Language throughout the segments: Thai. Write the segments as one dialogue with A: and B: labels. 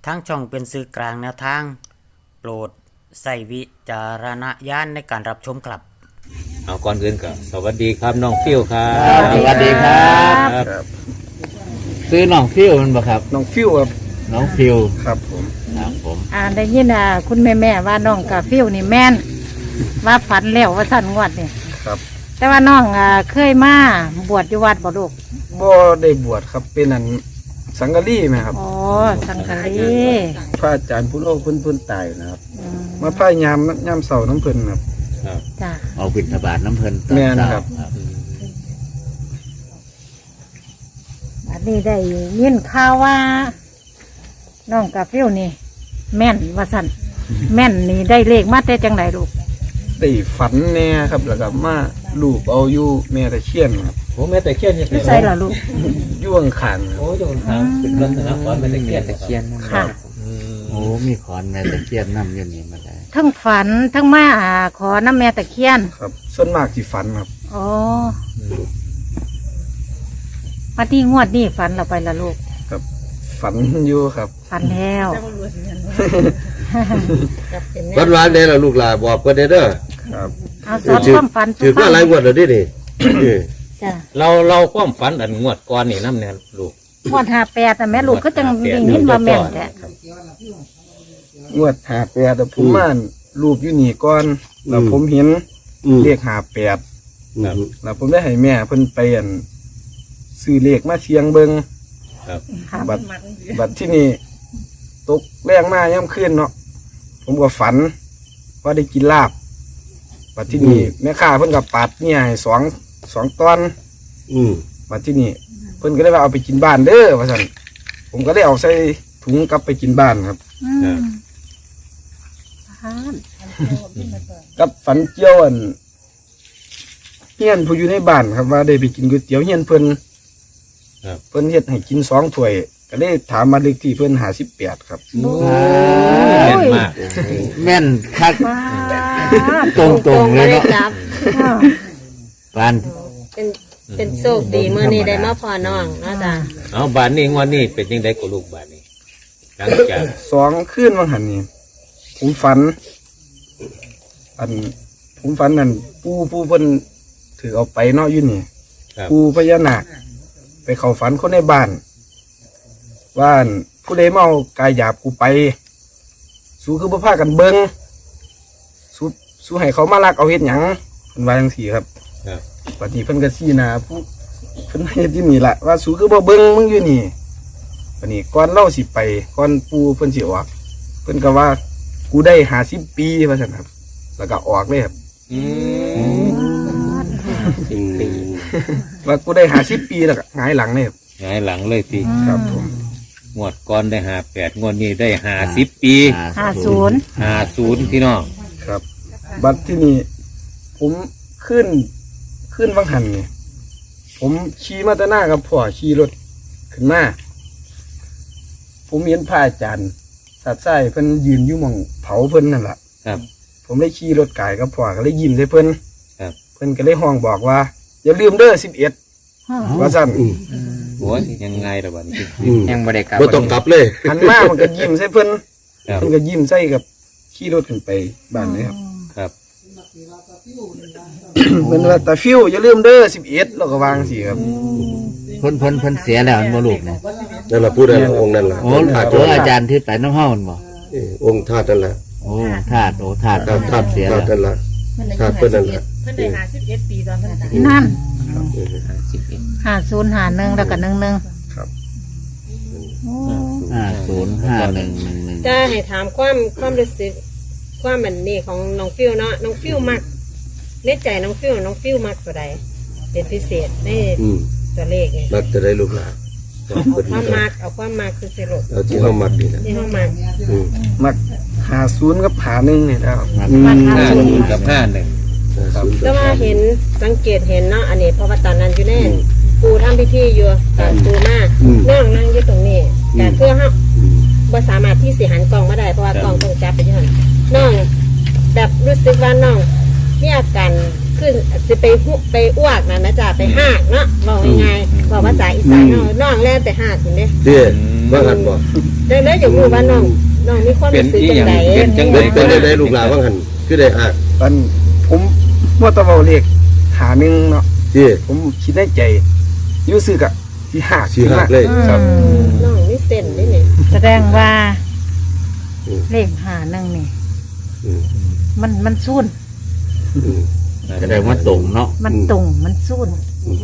A: ทางช่องเป็นสื่อกลางแนวทางโปรดใส่วิจารณญาณในการรับชมครับ
B: เอาก่อนอื่นก็สวัสดีครับน้องฟิวครับ
C: สวัสดีครับ
D: ครับ
C: ซื้อน้องฟิวมันบ่ครับ
D: น้องฟิวครับ
C: น้องฟิว
D: ครับผม
C: ครับผม
E: ได้ยินคุณแม่ว่าน้องกาฟิวนี่แม่นว่าฝันแล้วว่าสั่นงวดนี่
D: ครับ
E: แต่ว่าน้องเคยมาบวชอยู่วัดบ่ลูก
D: บ่ได้บวชครับเป็นอันสังกะรีไหมครับ
E: อ๋อสังฆลี
D: พระอาจารย์ผู้โลกเพิ่นตายนะครับ
E: อืม
D: มาพายามเสาน้ำเพิ่นครับ
B: ครับ
E: จ้ะ
C: เอาบิณฑบาตน้ำเพลินตอน
D: แม่น
C: เช้า
D: ครับ
E: อันนี้ได้ยินข่าวว่าน้องกาฟิวนี่ แม่นว่าสั่นแม่นนี่ได้เลขมาแต่จังไหนลูก
D: ได้ฝันแน่ครับแล้วก็มาลูบเอาอยู่แม่ตะเคียนครับ
B: โอ้แม่แต่เคียนยัง
E: ไม่ใช่เหรอลูก
D: อยู่ข้างๆครับ
B: โอ้ยทางเป็นลักษณะขอนแม่แต่เคียนแต่เคียน
E: ค่ะ
C: โอ้มีขอนแม่ตะเคียนน้ำอยู่นี่มาได้
E: ทั้งฝันทั้งมาขอน้ำแม่ตะเคียน
D: ครับส่วนมากที่ฝันครับ
E: อ๋อมาที่งวดนี่ฝันเราไปละลูก
D: ครับ ฝันอยู่ครับ
E: ฝันแล้ว
F: วันวานเด้ล่ะลูกหลานบอกกันเด้อ
D: ครับ
E: เอาสอนความฝัน
F: ถือว่าหลายงวดแล้วดินี่
E: จ้ะ
B: เราความฝันอันงวดก่อนนี่น้ำเนี่ยลูก
E: งวด58แต่แม่ลูกก็จังได้ยินว่าแม่นแท้
D: งวด58แต่ผมมารูปอยู่นี่ก่อนแล้วผมเห็นเลข58แล้วผมได้ให้แม่เพิ่นไปอันซื้อเลขมาเชียงเบิง
B: ครับ
E: ค่ะ
D: บัดที่นี่ตกแรงมาย่ำขึ้นเนาะผมก็ฝันว่าได้กินลาบบัดที่นี่แม่ค้าเพิ่นกับปัดเนี่ยให้สองตอนบัดที่นี่เพิ่นก็เลยว่าเอาไปกินบ้านเด้อว่าซั่นผมก็เลยเอาใส่ถุงกลับไปกินบ้านครับ
E: อืมอ่า
D: กับฝันเกี่ยวอันเฮียนผู้อยู่ในบ้านครับว่าได้ไปกินก๋วยเตี๋ยวเฮียนเพิ่น
B: ครับ
D: เพิ่นเฮ็ดให้กิน2 ถ้วยก็เลยถามมาเลขที่เพิ่น58ครับ
B: แม่นมาก
C: แม่นคัก
E: ว้า
C: ตรงๆเลยเนาะ
G: จับ
E: ว
C: ปาน
G: เป็นโชคดีเมื่อนี้ได้มาพอน้องเนาะจ้ะ
B: เอาบานนี้งวดนี้เป็นยังไงกับลูกบานนี้หลังจาก
D: 2 คืนวันหันนี่ผมฝันนั่นผู้เพิ่นถือเอาไปเนาะอยู่นี่
B: ครับ
D: ผู้พญานาคไปเข้าฝันคนในบ้านว่าอั่นผู้ใดเมากายหยาบกูไป สู้คือบ่พากันเบิงสู้ให้เขามาลักเอาเฮ็ดหยังเพิ่นว่าจังซี่ครับ
B: ครับ
D: บัดนี้เพิ่นก็ชี้หน้าผู้เพิ่นเฮ็ดอยู่นี่ล่ะว่าสู้คือบ่เบิงมึงอยู่นี่บัดนี้ก่อนเล่าสิไปก่อนปู่เพิ่นสิออกเพิ่นก็ว่ากูได้50 ปีว่าซั่นครับ แล้วก็ออกเลยครับ ว่ากูได้50 ปีแล้วก็หงายหลังเลยครับ
B: หงายหลังเลยที
D: ครับผม
B: งวดก่อนได้58งวดนี้ได้50 ปี
E: 50
B: 50พี่น้อง
D: ครับ บัดที่นี่ผมขึ้นวังหันนี่ผมขี่มาแตหน้ากับพ่อขี่รถขึ้นมาผมเห็นพระอาจารย์สัตว์ไส้เพิ่นยืนอยู่หม่องเผาเพิ่นนั่นแหละ
B: ครับ
D: ผมได้ขี่รถกายกับพ่อก็เลยยิ้มใส่เพิ่น
B: ครับ
D: เพิ่นก็เลยห้องบอกว่า อย่าลืมเด้อ11ว่าซั่น
B: โอ้ยยังไงล่ะบานนี้
A: ยังบ่ได้กลับ
F: บ่ต้องกลับเลย
D: หันมามันก็ยิ้มใส่เพิ่น
B: ครับ
D: เพิ่นก็ยิ้มใส่กับขี่รถขึ้นไปบ้านเลยครับ
B: ครับ
D: เพิ่นว่าตาฟิวอย่าลืมเด้อ11แล้วก็วางสิครับ
C: เพิ่นเสียแล้วอันบ่ลูกเนี่ย
F: นั่นล่ะพูดได้ละองค์นั่นล่ะ
C: โอ้
F: ธาตุ
C: โหอาจารย์ที่ไปน้ำเฮามันบ่
F: องค์ธาตุนั่นล่ะ
C: โอ้ธาตุ
F: ธาตุ
C: เสีย
F: ธา
C: แล้ว
F: ตุนั่นล่ะธาตุเพิ่นนั่นล่ะ
G: เพิ่นได้51ปีตอนเพิ่นตาย
E: นั่น5051แล้วก็11
D: ครับ
E: โอ้
C: 505111
G: จะให้ถามความรู้สึกความมันนี่ของน้องฟิวเนาะน้องฟิวมักในใจน้องฟิวมักตัวใดเป็นพิเศษใน
F: อืม
G: ตัวเลขไง
F: มักจะได้ลูกหลาน
G: เอาความมักคือสิลูก
F: เอาที่เฮามักนี่นะ
G: ที่เฮามัก
F: อืม
D: มัก50กับ51นี่แหล้ว
B: 50กับ51
G: แต่ว่าเห็นสังเกตเห็นเนาะอันนี้เพราะว่าตอนนั้นอยู่แน่ปูทำพิธีอยู่ตอนปูมาน้องนั่งอยู่ตรงนี้แต่เพื่อเฮาบ่สามารถที่สิหันกล้องมาได้เพราะว่ากล้องต้องจับไปอยู่หั่นน้องแบบรู้สึกว่าน้องมีอาการคขึ้นสิไปอ้วกนะนะจ๊ะไปหากเนาะบอกยังไงบอกภาษาอีสานเนาะน้องแล่นไปหากอยู่เนี่ย
F: เด้ว่าหันบ่
G: ดังนั้นอย่าพูดว่าน้องมีความรู้สึกจังได
F: เป็นได้ลูกหลานว่าหันคือได้หัก
D: ตอนผมว่าตะเบาเลขหาหนึ่งเนาะ
F: เด้
D: ผมคิดในใจอยูซึกอะที่หา
F: สิหักเลย
D: ครับ
G: น้องมีเส้นนี่นี่
E: แสดงว่าเลขหาหนึ่งนี่
F: อืม
E: มันสูน
F: อืม
C: แสดงว่าตรงเนาะ
E: มันตรงมันสูน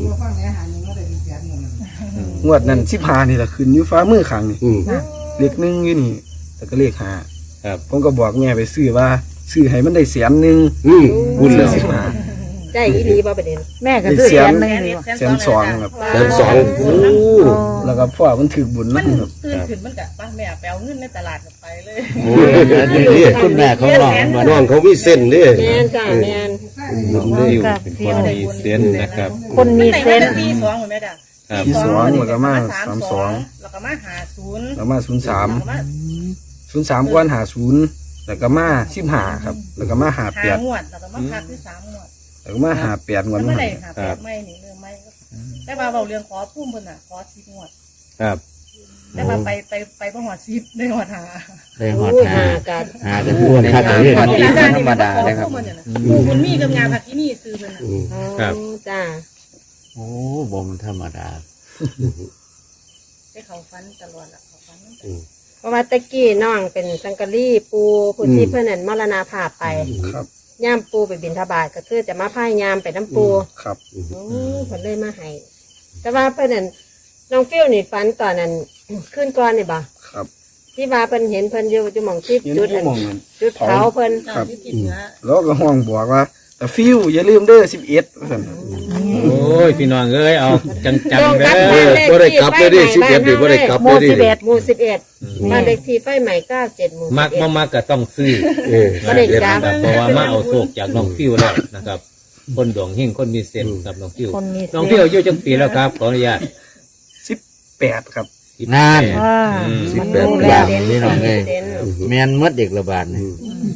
D: งวดนั้น15นี่แหละขึ้นอยู่ฟ้ามือข้างนี่
F: อืม
D: เลขหนึ่งอยู่นี่แต่ก็เลขหา
B: ครับ
D: ผมก็บอกแม่ไปซื้อว่าซื้อให้มันได้100,000
F: อืมบุญแล้ว
D: 15
G: ได้อีหลีบ่ประเด็น
E: แม่ก็ซื้อแสนหนึ่งเลยว่ะ
D: 120,000ครับ
F: แสนสองโอ้
D: แล้วก็พ่อมันถือบุญนะครับ
H: ตื่นขึ้นมันกะป้าแม่ไปเอาเงินในตลาดกลับไปเลย
C: โอ้ยอันนี้คุณแม่ของน้องมัน
F: น้องเขามีเส้นเด้
G: แม่นจ้ะแม่น
B: น้องฟิวเป็นคนมีเซนส์นะครับ
E: คนมีเซน
H: มั
E: ส์
H: ได้4-2เหมือนแม่จ้ะ
B: ครับ
D: 42แล้วก็มา
H: 32แล้วก็มา50
D: แล้วมา
H: แล้วก็มา
D: 03ก่อน50แล้วก็มา15ครับแล้วก็มา
H: หา
D: 58
H: งวดแล้วก็มาพักที่3งวด
D: แล้วก็มา58งวด
H: มัน
D: มา
H: ไม่ได้หาแปดไม่นี่เรื่องไม่แต่ว่าเบาเรื่องขอพุ่มเพิ่นน่ะขอ10งวด
B: ครับ
H: แต่ว่าไปบ่ฮอด10ได้ฮอดหา
C: ได้หอด
G: อู้
C: หา
G: หากัน
C: หากันทั่วในทางเรื่อง
H: ขอ
C: นี้
H: ที่ร้าน
C: ธรรมดาเลยครับ
H: คุณมีกับงานผักที่นี่ซื้อเพิ่นน่ะ
F: อืม
B: ครับ
G: จ้า
C: โอ้บ่มันธรรมดา
H: ได้เขาฟันตลอดล่ะเขาฟันมัน
F: อืม
G: เพราะว่าตะกี้น้องเป็นสังกะรีปูผู้ที่เพิ่นนั่นมรณภาพไป
D: ครับ
G: ย่ามปูไปบิณฑบาตก็คือจะมาพายยามไปน้ำปู
D: ครับ
G: โอ้เพิ่นเลยมาให้แต่ว่าเพิ่นนั่นน้องฟิวนี่ฝันตอนนั้น ขึ้นก่อนนี่บ่
D: ครับ
G: ที่ว่าเพิ่นเห็นเพิ่นอยู่หม่องที่
D: เห็น
G: จุด
D: ที่
G: นั่น
D: มองมัน
G: จุดเผาเพิ่น
D: ครับ
H: ที่ติดเนื้อ
D: แล้วก็ห้องบอกว่าแต่ฟิวอย่าลืมเด้อ11ว่าซั่น
B: โอ้ยพี่น้องเอ้ยเอาจัง
G: ตรง
B: ๆเด้
G: กับ
B: อ
G: บ้านเลข
F: บ่ได้
G: ที่
F: กลับ
G: ไฟ
F: เลย
G: ให
F: ดิ
G: ม่บ้าน
F: 11นี่บ่ได้กลับ
G: เฮา
F: เลยดิ
G: หมู่11บ้านเลขที่ไฟใหม่97หมู่
B: มักบ่
G: 11
B: มักก็ต้องซื้อ
F: เออ
G: บ่ได้กลับ
B: นะครับเพราะว่ามาเอาโชคจากน้องฟิวแล้วนะครับ คนดวงเฮงคนมีเซนส์กับน้องฟิว
E: คนมีเซ
B: น้อง
E: น
B: ฟิว
E: ส์
B: อายุจังปีแล้วครับขออนุญาต
D: 18ครับ
C: งาน
E: ว่า
B: อืม
G: มัน
C: แบบ
G: รู้
C: แบ
G: แล้ว
C: บนี้น้องเอ้ย
G: เด่น
C: แม่นหมดเด็กระบาดนี่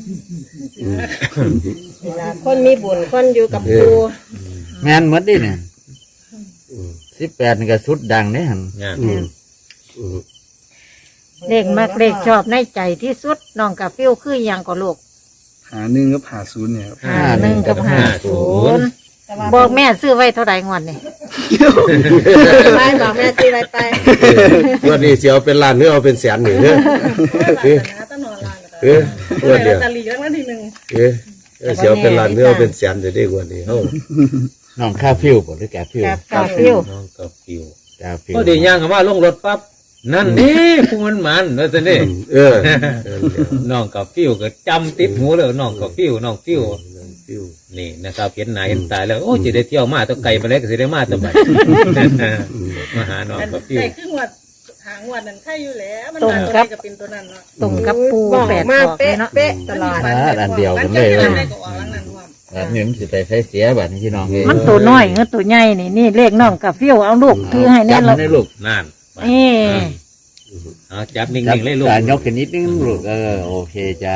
G: เวลาคนมีบุญคนอยู่กับปู
C: แม่นหมดดิเนี่ย18นี่ก็สุดดังเด้หั่น
B: เนี่ย
F: อืมอืม
E: เลขมักเลขชอบในใจที่สุดน้องกับฟิวคืออย่างก็ลูก
D: หา1กับ50เนี่ยครับ
E: 51กับ50บอกแม่ซื้อไว้เท่าไหร่งวดนี่
G: ไปบอกแม่สิไป
F: วันนี้สิเอาเป็นล้านหรือเอาเป็นแสนนี่เด้อ
H: ตลอดลาน
F: เออ
H: เอ
F: วั
H: อน
F: เดียว
H: ตะลีแล้ววันที่หนึ่ง
F: เออสิเอาเป็นล้านหรือเอาเป็นแสนจะได้กว่านี้เฮา
C: น้องข้าวฟิวบ่หรือแกฟิว
E: กับฟิว
B: น้องกับฟิว
C: กาฟิว
B: พอดีย่างเข้ามาลงรถปั๊บนั่นนี่ผู้มันว่าซั่นนี่
F: เออ
B: น้องกับฟิวก็จำติดหูเลยน้องกับฟิวน้องฟิว
F: ฟิว
B: นี่นะครับเห็นหน้าเห็นตาแล้วโอ้จะได้เที่ยวมาตัวไกลมาแล้วก็สิได้มาตัวบัดมาหาน้องกับฟิว
H: ได้ครึ่งวัดหางวัดนั้นใช่อยู่แล้วมันมาตัวนี้ก็เป็นตัวนั้นเนาะ
E: ตรงกับปู
G: บอก
E: แปด
G: มา
E: ดอกเลยเนาะ
G: เป๊ะตลอด
C: อันเดียวกันเลย
H: ได้ก็ออกหลังนั้นว่า
C: แบบนี้มันสิไปใช้เสียบัดนี้พี่น้องเอ้ย
E: มันตัวน้อยเงือตัวใหญ่นี่นี่เลขน้องกับฟิวเอาลูกถือให้
C: จั
E: แน่
C: บ
E: เรา
C: มันได้ลูก
B: นั่น
E: เอ๊ะ
B: เอาจับนิ่
C: จับ
B: งๆเลยลูก
C: การยกขึ้นนิดนึงลูกโอเคจ้า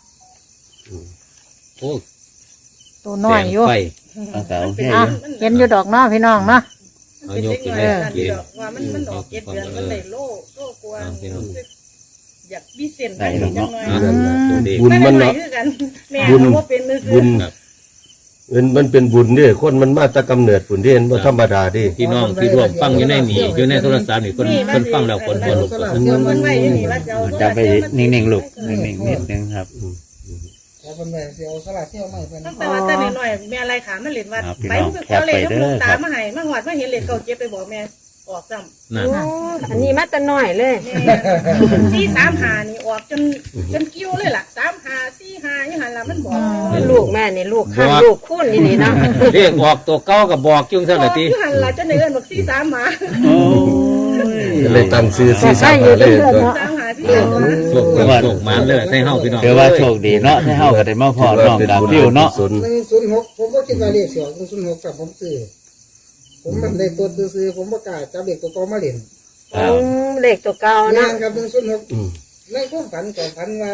B: โอ้
E: ตัวน้อยอยู่
B: แสงไฟ
C: ตั้งแต่โอเค
E: อ่ะเห็นอยู่ดอกเนาะพี่น้องเนาะ
B: เอายกขึ้นเลย
H: ว่ามันดอกเก็ดเดือนมันเลยโล่กวนอยากมีเส้น
C: ได้หรอกเนาะ
B: ตัวดี
F: บุญมัน
H: เนาะ
F: เนาะ
H: แม่ว่าเป็นมือ
F: บุญมันเป็นบุญเด้อคนมันมาแตะกำเนิดผุนเด้บ่ธรรมดาเด้
B: พี่น้องที่ร่วมฟังอยู่ในนี่อยู่ในโทรศัพท์นี่คนฟังแล้วคนหัวลุก
H: มันไม่ยังมีว่าจะเอา
C: จับไปนิ่งๆลูกนิ่งๆนิดนึงครับ
H: ตั้งแต่ว่าแต่น้อยแม่อะไรขามันเล่นว่าไปไปขอเลยลูกตามาให้มาหอดมาเห็นเล็กเก่าเจ็บไปบอกแม่ออกซ้ำ
B: นั่น
G: โอ้อันนี้มาแต่น้อยเลย
H: 4-3-5นี่ออกจนกิ้วเลยล่ะ3-5-4-5ยังหันละมันบอก
G: ลูกแม่นี่ลูกข้างลูกคุ้นนี่เนาะ
B: เรียกออกตัวเก้ากับบอกจุงซะละที
H: ยังหันละจะเนื้อบอก4-3มา
F: เลยตั้งชื่อ
E: ก็ใช่อยู่
F: 4-3เล
E: เรื่
F: ย
E: อยๆเนาะ
H: 3-5-4-5มา
B: โชคโชคมันเลยให้เฮาพี่น้อง
C: เดี๋ยวว่าโชคดีเนาะที่เฮาก็ได้มาพอน้องกับฟิวเนาะ
I: 106ผมก็คิดว่าเลขเสียว106กับผมซื้อผมมันเลขตัวซื้อผมประกล้าศจับเลขตัวกอมาเล่น
G: เลขตัวเก่า
I: นา
G: นะ
I: นครับ106ในความฝันก็ฝันว่า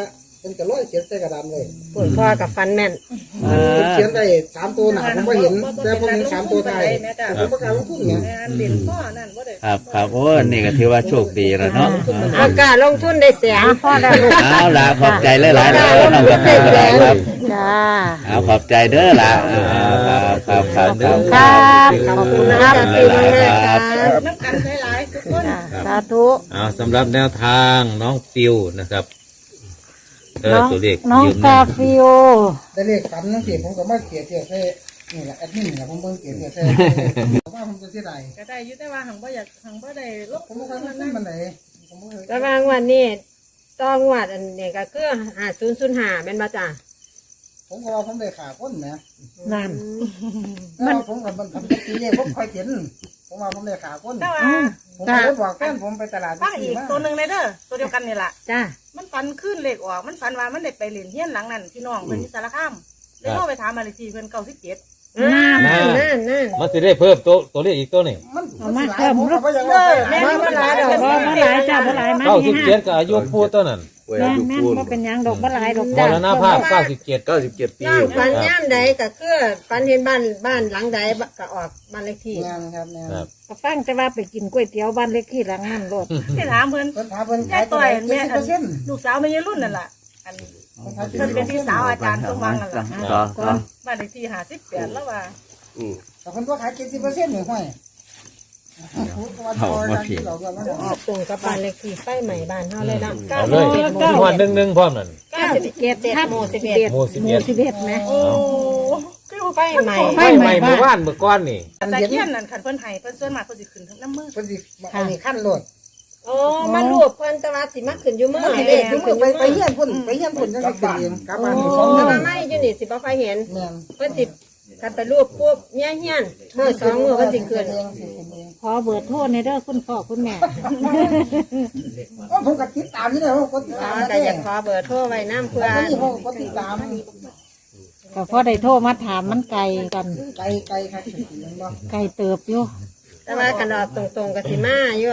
I: เป็นกระร้อยเขียนใส่กระดานเลย
G: ปวดพ่อกับฟันแม่น
I: มันเขียนได้3ตัวหนาผมก็เห็นแต่ผมเห็น3ตัวท้าย
H: แม่จ้ะ
I: ผมประกล้าศลงทุนเนี่ย
H: แม่เล่นพ่อนั่นบ่ได้
C: ครับครับโอ้นี่ก็ถือว่าโชคดีแล้วเนาะ
G: อากาศลงทุนได้แสน
E: พ่อได้ลูก
C: เอาล่ะขอบใจหลายๆนะน้องกาแฟครับ
E: จ้า
C: เอาขอบใจเด้อล่ะครับครับเด้อ
E: ครับขอบคุณครับ
C: ครับ
H: น้ำกันหลายๆทุกคน
E: จ้าสาธุ
B: เอาสำหรับแนวทางน้องฟิวนะครับตัวเลข
E: น้อง
B: ยืม
E: กาฟิว
I: ได้เลขฝันนั่นสิผมก็มาเขียนเทียบใส่นี่แหละแอดมินเนี่ยผมเบิ่งเขียนเทียบใส่ว่าผมจะเสียดาย
H: ก็ได้อยู่แต่ว่าหังบ่อยากหังบ่ได้ลบ
I: ผมบ่เคยมาขึ้นมันไหนผมบ่เคย
G: แต่บางวันนี้ต้องวัดอันนี้ก็คือ5005แม่นบ่จ้ะ
I: ผมก็ว่าผมได้ขาคนนะ
E: นั่น
I: มันผมกับมันทำตีเลขผมคอยเขียนผมว่าผมได้ขาคน
H: แต่ว่า
I: ผมก็เลยบอกแฟนผมไปตลาด
H: ฟังอีกตัวหนึงเลยเด้อตัวเดียวกันนี่ล่ะ
G: จ้ะ
H: มันฝันขึ้นเลขออกมันฝันว่ามันได้ไปเล่นเฮียนหลังนั้นพี่น้องเพิ่นที่สารคามเลยโทรไปถามมาเลขที่เพิ่น97
G: นั่น
B: มันจะได้เพิ่มตัวเลขอีกตัวหนึ่ง
I: มันสิหลายผมก็บ่อยากว่า
H: แม่นบ่หลายดอก
E: บ่หลายจ้าบ่หลายมา
B: 97กับอายุผู้ตัวนั้น
E: แม่นแม่นบ่เป็นหยังดอกบ่หลายดอก
B: ม
E: จ้าร
B: ณภาพ97
F: 97 ปี
G: น้องฝันย่ามใดก็คือฝันเห็นบ้านหลังใดก็ออกบ้านเลขที่
I: งานครับงาน
B: ครับ
E: ก็ฟังแต่ว่าไปกินก๋วยเตี๋ยวบ้านเล็กที่หลังนั่นโลด
H: ที่ถามเพิ่น
I: เพิ่นถามเพิ่น
H: ยา
I: ขาย ย
H: ต่
I: ตัว
H: อย
I: ไหน
H: แม่อัน
I: 70%
H: ลูกสาวแม่ยายรุ่นนั่นล่ะอันเพิ่นเป็นพี่สาวอาจารย์สมหวังนั่นล่ะ
E: ก่อน
H: บ้านเลขที่58แล้วว่า
I: แต่เพิ่นก็ขาย70%นี่ห้อยเอามาผิด
G: ตรงกับบ้านเลขที่ไฟใหม่บ้านเฮาเลยเนาะ
B: เอาเลยที่วัน1พร้อมนั่น
G: 97หมู่11
B: หมู่
E: หมู่11นะ
H: โอ้คือ
G: ไฟใหม่
B: ไฟใหม่เมื่อวานเมื่อก้อนนี่
H: แต่เฮียนนั่นคันเพิ่นให้เพิ่นส่วนมากเพิ่นสิขึ้นทั้งน้ำมือ
I: เพิ่นสิอันนี้ขั้นโลด
G: โอ้มารวบเพิ่นแต่ว่าสิมาขึ้นอยู่มื้อ
I: มันสิ
G: เด้
I: ได้
G: สิ
I: ถึง
G: ขึ้นอยู่
I: ไป
G: มื้อ
I: เฮียนพุ่นไปเฮียนพุ่นจังสิขึ้นเองกลับบ้านนี่
G: แต่ว่าไม่อยู่นี่สิบ่ค่อยเห็น
I: แม่น
G: เพิ่นสิคันไปรวบปุ๊บเมียเฮียนมื้อ2มื้อเพิ่นสิขึ้น
E: ขอเบอร์โทรในเด้อคุณพ่อคุณแม่
I: ผมก็ติดตามนี่แหละผมก็ติด
G: อ๋
I: ตา
G: อ
I: ม
G: ก็อยากขอเบอร์โทรไว้นำเพื่อ
I: นี่ผมก็ติดตาม
E: ก็พอได้โทรมาถามมันไกลกัน
I: ไกลครับจริงๆบ่
E: ไกลเติบอยู่
G: แต่ว่าคันออกตรงๆก็สิมาอยู่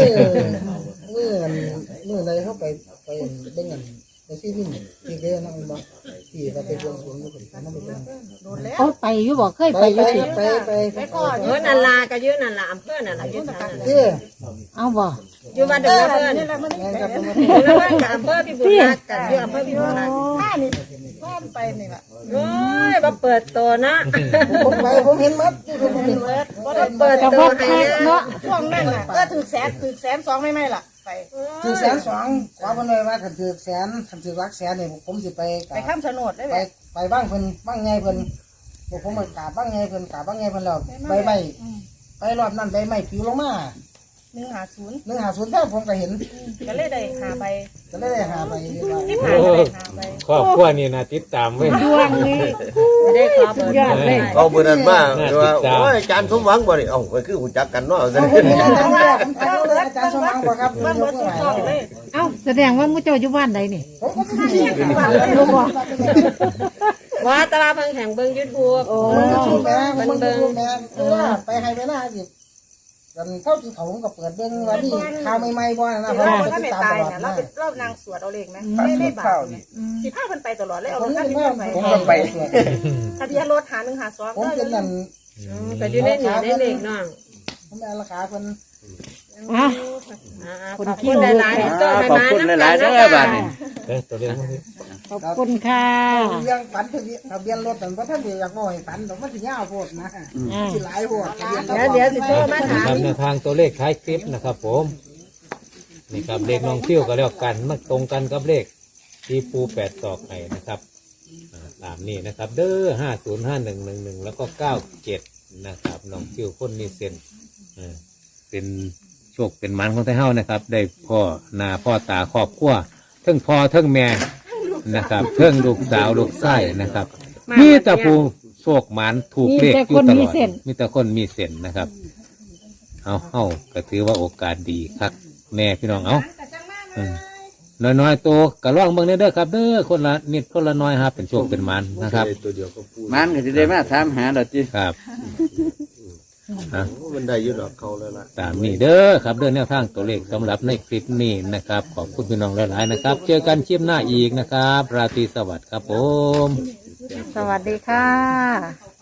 I: มื้อใดเฮาไปเบิ่งกันไปซีนี่ที่เด้นั่งบ่ที่ว่าไปบวงสรวงอยู่เพิ่นนำไปเบิ่ง
H: โดนแล้ว
E: โอ้ไปอยู่บ่เคย
I: ไป
E: ไปอยู่ติ
H: ไปก่อน
G: โอ้นั่นล่ะก็อยู่นั่นล่ะอำเภอนั่นล่ะอยู่ทางนั้น
I: เด้อ
E: เอาบ่
G: อยู่บ้านเด้อเพิ่น
H: นี่แหละมัน
I: แม่นครับ
G: อยู่ระหว่างกับอำเภอพิบูลรักษ์กันอยู่อำเภอพิบูลรักษ์
H: ผ้านี่ผ้าไปนี่ล่ะ
G: โอ้ยบ่เปิดตัวนะ
I: ผมเห็นหมดผมเห็นหมด
H: บ่ได้
G: เปิด
E: ก็
G: ตั
E: บ่
G: วให้
E: คัก
G: นะ
E: เนาะ
H: ช่วงนั้นน่ะก็ถึงแสนสองไม่ล่ะไป
I: ถึง102ขอเพิ่นเลยว่าคันถึกแสนคันถึกลักแสนนี่ผมสิไป
H: ไปข้ามถนนได้
I: ไป
H: ไหม
I: ไปบ้างเพิ่นบ้างไงเพิ่นผมมากราบบ้างไงเพิ่นกราบบ้างไงเพิ่นแล้วใบไม้ไปรอบนั้นใบไม้ผิวลงมา
H: 150
I: 150แท้ผมก็เห็น
H: ก็เลยได้หาไป
I: ก็เลยได้หาไปว่า
H: 15ก็ได้หาไป
B: ครอบครัวนี่นะติดตามเว้ย
E: ดวงนี้
G: ไม่ได้ขอเบอร์
E: ยอดเลย
F: เอาเบอร์นั้นมา
B: น่า
F: ว่า
B: ติดตาม
F: โอ้ยอาจารย์สมหวังบ่นี่เอ้าก็คือหูจักกันเนาะ
I: ผมเห็นอาจารย์ว่าผมถามว่าอาจารย์สมหวังบ่ครับ
H: บ้านบ่สุดซอกเลย
E: เอ้าแสดงว่ามู่เจ้าอยู่บ้านใดนี่
I: ผมก็ไม่ได้
E: รู้บ่
G: ว่าแตลาดเพิ่งแข่งเบิ่ง YouTube
E: โอ้
I: ผมแม่ผมเบิ่งแม่ว่าไปให้เวลาสิกันเท่าที่เขาผมก็เปิดเบิ่งว่านี่ข่าวใหม่ๆบ่นะผม
H: เรา
I: ก็
H: ถ้า
I: ติ
H: ไม่
I: ดตาม
H: ตาย
I: ตลอด
H: เนี่ย
I: นะ
H: เรานางสวดเอาเลขไหมไม่บาปสิผ้ามันไปตลอดเลยเอา
I: ผม
H: รถ
I: เป็
H: คั
I: น
H: น
I: แม่
H: ที่
I: ผม
H: ไป
I: ก็ไปสวด
H: ทะเบียนรถ152
I: ผมเป็นนั่น
G: ก็อยู่ในนี่ในเลขน้อง
I: ผมเป็นราคาเพิ่น
E: อ่ะ
G: ขอบคุณหลายๆที่ส่งให้
C: ขอบ
G: มา
C: คุณ
G: น้ำ
C: ห
G: กั
C: ลาน ยๆ
G: นะ
C: เด้อ
G: จ๊ะ
C: บาดนี้
B: ตัวเลขมันสิ
E: ขอบคุณค่ะ
I: เรื่องฝันทะเบียนรถแต่ว่าท่านอยากบ่ให้ฝันแต่ว่าสิยาวโพดนะสิหลายโพด
G: เดี๋ยวสิโทรมาถาม
B: ครับแนวทางตัวเลขท้ายคลิปนะครับผมนี่ครับเลขน้องฟิวก็แล้วกันมันตรงกันกับเลขที่ปู8ศอกให้นะครับตามนี้นะครับ เด้อ505111แล้วก็97นะครับน้องฟิวคนมีเส้นเป็นโชคเป็นมันของไทเฮานะครับ ได้พ่อหน้าพ่อตาครอบครัวเทั้งพ่อเทั้งแม่นะครับเทั้งลูกสาวลูกไส้นะครับมีแต่ผู้โชคหมันถูกเลขอยู่ตลอดมีแต่คนมีเส้นนะครับเอาก็ถือว่าโอกาสดีครับแม่พี่น้องน้อยๆโตกระล่องเบิ่งเด้อครับเด้อคนละนิดคนละน้อยครับเป็นโชคเป็นมันนะครับ
F: ตัวเดียวก็พูด
C: มันก็สิได้มาถามหาดอกจิ
B: ครับ
F: มันได้อยืดดอกเขาเลยล่ะ
B: ตามนี้เด้อครับเด้อแนวทางตัวเลขสำหรับในคลิปนี้นะครับขอบคุณพี่น้องหลายๆนะครับ เจอกันคลิปหน้าอีกนะครับ ราตรีสวัสดิ์ครับผม
E: สวัสดีค่ะ